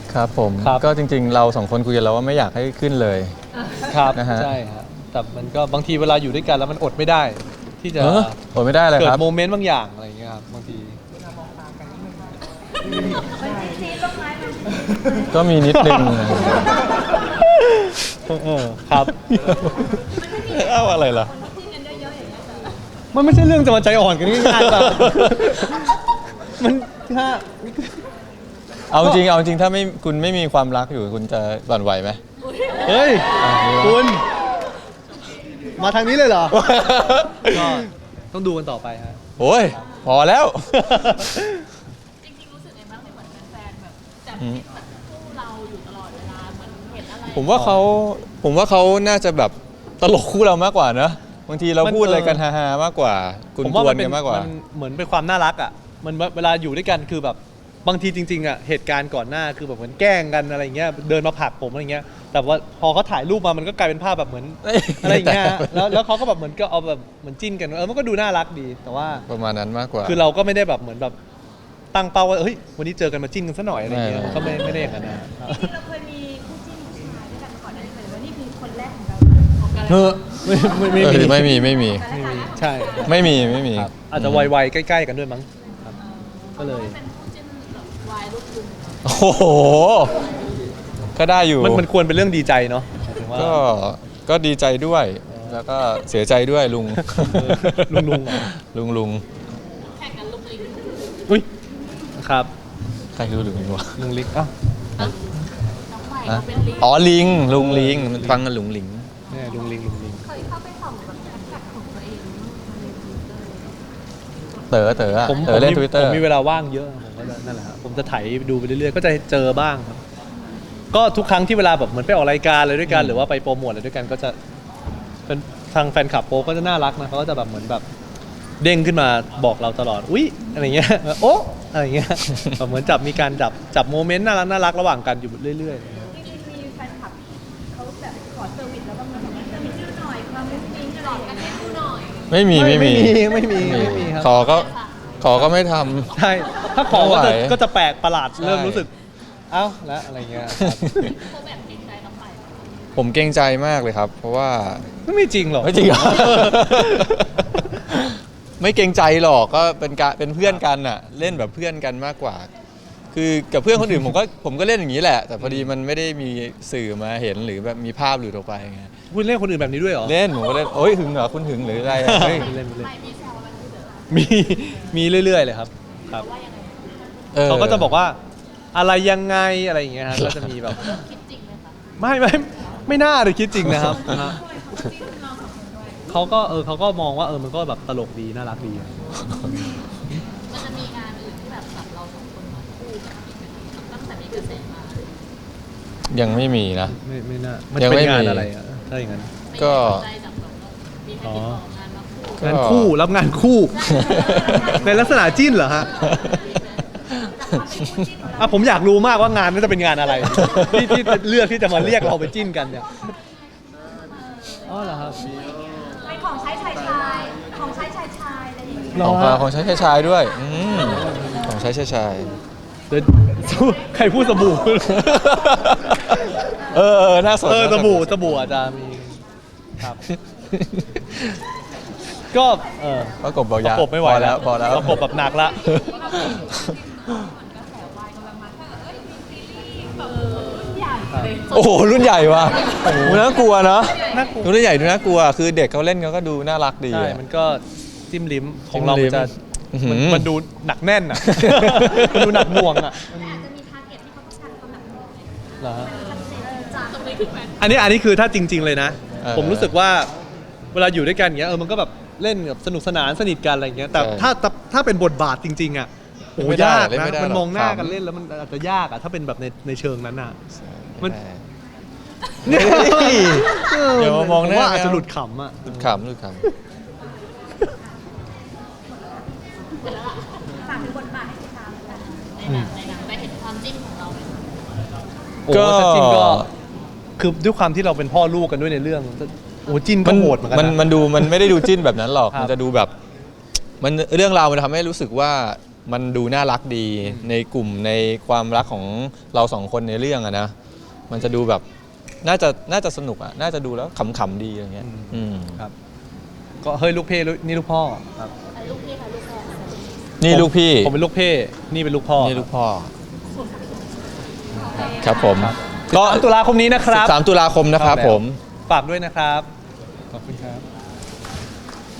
ครับผมก็จริงๆเรา2คนคุยกันแล้วว่าไม่อยากให้ขึ้นเลยครับนะฮะใช่ครับแต่มันก็บางทีเวลาอยู่ด้วยกันแล้วมันอดไม่ได้ ที่จะอดไม่ได้เลยเกิครัดบโมเมนต์บางอย่างอะไรอย่างเงี้ยครับบางทีก็มีนิดนึงครับเอาอะไรล่ะมันไม่ใช่เรื่องจะมาใจอ่อนกันง่ายๆแบบมันถ้าเอาจริงถ้าไม่คุณไม่มีความรักอยู่คุณจะหวั่นไหวไหมเฮ้ยคุณมาทางนี้เลยเหรอก็ต้องดูกันต่อไปฮะโอ้ยพอแล้วจริงๆรู้สึกไงบ้างที่เหมือนแฟนๆแบบจับจิ้นคู่เราอยู่ตลอดเวลาเหมือนเห็นอะไรผมว่าเขาน่าจะแบบตลกคู่เรามากกว่าเนอะบางทีเราพูดอะไรกันฮาๆมากกว่ากุนกวนกันมากกว่ามันเหมือนเป็นความน่ารักอ่ะมันเวลาอยู่ด้วยกันคือแบบบางทีจริงๆอ่ะเหตุการณ์ก่อนหน้าคือแบบเหมือนแกล้งกันอะไรเงี้ยเดินมาผลักผมอะไรเงี้ยแต่ว่าพอเขาถ่ายรูปมามันก็กลายเป็นภาพแบบเหมือนอะไรเงี้ยแล้วเขาก็แบบเหมือนก็เอาแบบเหมือนจิ้นกันมันก็ดูน่ารักดีแต่ว่าประมาณนั้นมากกว่าคือเราก็ไม่ได้แบบเหมือนแบบตั้งเป้าว่าเฮ้ยวันนี้เจอกันมาจิ้นกันซะหน่อยอะไรเงี้ยก็ไม่ได้อย่างนั้นนะจริงๆเราเคยมีคู่จิ้นผู้ชายด้วยกันมาก่อนหน้านี้เลยว่านี่คือคนแรกของเราของกันไม่มีใช่ไม่มีอาจจะวัยๆใกล้ๆกันด้วยมั้งครับก็เลยเป็นคู่จิ้นแบบวายลูกลุงโอ้โหก็ได้อยู่มันควรเป็นเรื่องดีใจเนาะก็ดีใจด้วยแล้วก็เสียใจด้วยลุงลุงแข่งกันลุงลิงอุ้ยครับใครรู้ลุงลิงวะลุงลิงอ่ะน้องใหม่เขาเป็นลิงอ๋อลุงลิงมันฟังกันลุงลิงเนี่ยลุงลิงเคยเข้าไปส่องแบบแฮชแท็กของตัวเองเต๋อเล่น Twitter ผมมีเวลาว่างเยอะผมก็นั่นแหละครับผมจะไถดูไปเรื่อยๆก็จะเจอบ้างครับก็ทุกครั้งที่เวลาแบบเหมือนไปออกรายการอะไรด้วยกันหรือว่าไปโปรโมทอะไรด้วยกันก็จะเป็นทางแฟนคลับโป๊ก็จะน่ารักนะเขาก็จะแบบเหมือนแบบเด้งขึ้นมาบอกเราตลอดอุ๊ยอะไรเงี้ยโอ๊ะอะไรเงี้ยแบบเหมือนมีการจับโมเมนต์น่ารักระหว่างกันอยู่เรื่อยๆจริงๆมีแฟนคลับเขาแบบขอเซอร์วิสแล้วบางคนบอกว่าเซอร์วิสชื่อหน่อยความมุ้งมิ้งหลอดกันให้ดูหน่อยไม่มีครับขอก็ไม่ทำใช่ถ้าขอก็จะแปลกประหลาดเริ่มรู้สึกเอ้าแล้วอะไรเงี้ยเขาแบบเกรงใจน้องใหม่ผมเกรงใจมากเลยครับเพราะว่าไม่จริงหรอกไม่จริงหรอไม่เกรงใจหรอกก็เป็นเพื่อนกันอะเล่นแบบเพื่อนกันมากกว่าคือกับเพื่อนคนอื่นผมก็เล่นอย่างนี้แหละแต่พอดีมันไม่ได้มีสื่อมาเห็นหรือแบบมีภาพหลุดออกไปไงคุณเล่นคนอื่นแบบนี้ด้วยเหรอเล่นผมก็เล่นโอ้ยหึงเหรอคุณหึงหรืออะไรเฮ้ยเล่นมีเรื่อยๆเลยครับเขาก็จะบอกว่าอะไรยังไงอะไรอย่างเงี้ยฮะก็จะมีแบบคิดจริงไหมคะไม่น่าเลยคิดจริงนะครับเขาก็มองว่ามันก็แบบตลกดีน่ารักดีมันจะมีงานอื่นที่แบบเราสองคนมาคู่กันตั้งแต่มีกระแสมายังไม่มีนะไม่น่ามันเป็นงานอะไรอ่ะถ้าอย่างนั้นก็งานคู่รับงานคู่ในลักษณะจิ้นเหรอฮะผมอยากรู้มากว่างานนี้จะเป็นงานอะไรที่เลือกที่จะมาเรียกเราไปจิ้นกันเนี่ยอ๋อเหรอครับเป็นของใช้ชายอะไรอย่างเงี้ยของใช้ชายด้วยของใช้ชายเดี๋ยวใครพูดสบู่น่าสนสบู่อาจจะมีครับก็ประกบบอกยาประกบไม่ไหวแล้วพอแล้วประกบแบบหนักละโอ้โหรุ่นใหญ่ว่ะน่ากลัวเนาะรุ่นใหญ่ดูน่ากลัวคือเด็กเขาเล่นเขาก็ดูน่ารักดีใช่มันก็จิ้มลิ้มของเรามันดูหนักแน่นอ่ะมันดูหนักหน่วงอ่ะอาจจะมีทาร์เก็ตที่เขาต้องการความหนักหน่วงเหรอตรงนี้คือแฟนอันนี้คือถ้าจริงๆเลยนะผมรู้สึกว่าเวลาอยู่ด้วยกันอย่างเงี้ยมันก็แบบเล่นแบบสนุกสนานสนิทกันอะไรอย่างเงี้ยแต่ถ้าเป็นบทบาทจริงๆอ่ะโอ้ยากนะมันมองหน้ากันเล่นแล้วมันอาจจะยากอ่ะถ้าเป็นแบบในเชิงนั้นอ่ะมันเดี๋ยวมองหน้าว่าอาจจะหลุดขำอ่ะหลุดขำฝากถึงบทบาทให้ติดตามกันในหนังไปเห็นความจิ้นของเราก็จิ้นก็คือด้วยความที่เราเป็นพ่อลูกกันด้วยในเรื่องโอ้จิ้นก็โหดเหมือนกันมันดูมันไม่ได้ดูจิ้นแบบนั้นหรอกมันจะดูแบบมันเรื่องราวมันทำให้รู้สึกว่ามันดูน่ารักดีในกลุ่มในความรักของเราสองคนในเรื่องอะนะมันจะดูแบบน่าจะสนุกอะน่าจะดูแล้วขำๆดีอย่างเงี้ยครับ ก็เฮ้ยลูกเพ่นี่ลูกพ่อครับลูกพี่ค่ะลูกพ่อนี่ลูกพี่ผมเป็นลูกเพ่นี่เป็นลูกพ่อนี่ลูกพ่อครับผมก็ตุลาคมนี้นะครับ 13 ตุลาคมนะครับผมฝากด้วยนะครับขอบคุณครับ